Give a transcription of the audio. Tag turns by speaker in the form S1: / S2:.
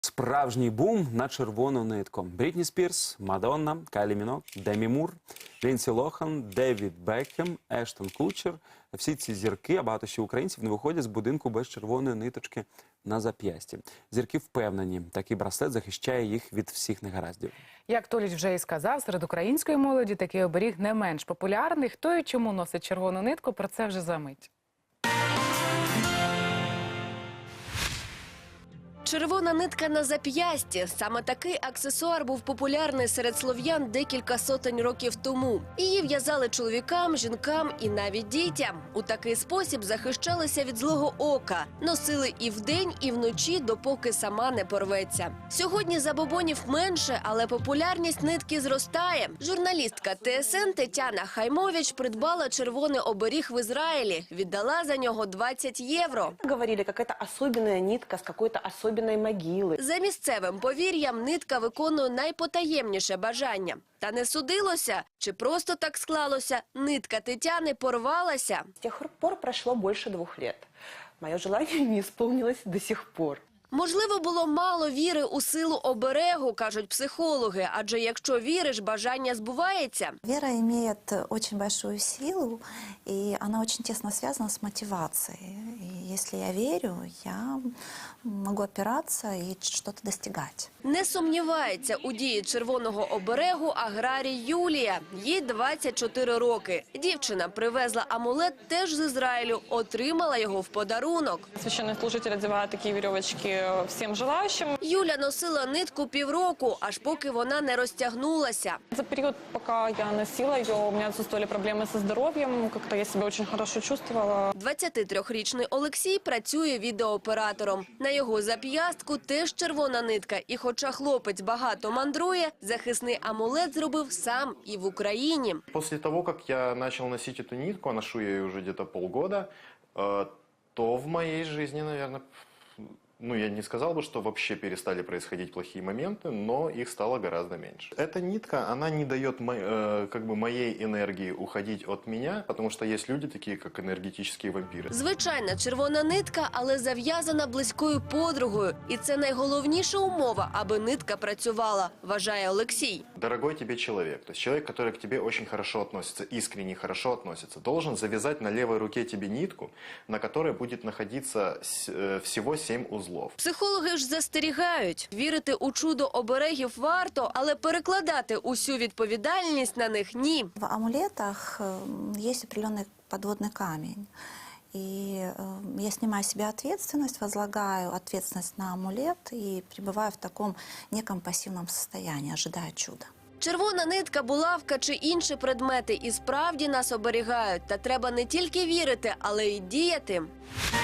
S1: Справжній бум на червону нитку. Брітні Спірс, Мадонна, Кайлі Мінок, Демі Мур, Лінсі Лохан, Девід Бекхем, Ештон Кутчер. Всі ці зірки, а багато ще українців, не виходять з будинку без червоної ниточки на зап'ясті. Зірки впевнені, такий браслет захищає їх від всіх негараздів.
S2: Як Толіч вже і сказав, серед української молоді такий оберіг не менш популярний. Хто і чому носить червону нитку, про це вже за мить.
S3: Червона нитка на зап'ясті. Саме такий аксесуар був популярний серед слов'ян декілька сотень років тому. Її в'язали чоловікам, жінкам і навіть дітям. У такий спосіб захищалися від злого ока. Носили і вдень, і вночі, допоки сама не порветься. Сьогодні забобонів менше, але популярність нитки зростає. Журналістка ТСН Тетяна Хаймович придбала червоний оберіг в Ізраїлі. Віддала за нього 20 євро.
S4: Говорили, какая-то особенная нитка с какой-то особенной могилы.
S3: За місцевим повір'ям нитка виконує найпотаємніше бажання. Та не судилося, чи просто так склалося, нитка Тетяни порвалася.
S4: С тех пор прошло больше 2 лет. Мое желание не исполнилось до сих пор.
S3: Можливо, було мало віри у силу оберегу, кажуть психологи, адже якщо віриш, бажання збувається.
S5: Вера имеет очень большую силу, и она очень тесно связана с мотивацией. И если я верю, я могу опираться и что-то достигать.
S3: Не сумнівається у дії червоного оберегу аграрій Юлія. Їй 24 роки. Дівчина привезла амулет теж з Ізраїлю, отримала його в подарунок.
S6: Священнослужитель одевает такие веревочки всем желающим.
S3: Юля носила нитку півроку, аж поки вона не розтягнулася.
S6: За период, пока я носила ее, у меня отсутствовали проблемы со здоровьем, как-то я себя очень хорошо чувствовала.
S3: 23-річний Олексій працює відеооператором. На його зап'ястку теж червона нитка. І хоча хлопець багато мандрує, захисний амулет зробив сам і в Україні.
S7: После того, как я начал носить эту нитку, а ношу я ее уже где-то полгода, то в моей жизни, наверное, я не сказал бы, что вообще перестали происходить плохие моменты, но их стало гораздо меньше. Эта нитка, она не дает моей энергии уходить от меня, потому что есть люди такие, как энергетические вампиры.
S3: Звичайна червона нитка, але зав'язана близькою подругою. І це найголовніша умова, аби нитка працювала, вважає Олексій.
S7: Дорогой тебе человек, то есть человек, который к тебе очень хорошо относится, искренне хорошо относится, должен завязать на левой руке тебе нитку, на которой будет находиться всего 7 узлов.
S3: Психологи ж застерігають. Вірити у чудо оберегів варто, але перекладати усю відповідальність на них – ні.
S5: В амулетах есть определенный подводный камень. И я снимаю с себя ответственность, возлагаю ответственность на амулет и пребываю в таком неком пассивном состоянии, ожидая чуда.
S3: Червона нитка, булавка чи інші предмети і справді нас оберігають. Та треба не тільки вірити, але й діяти.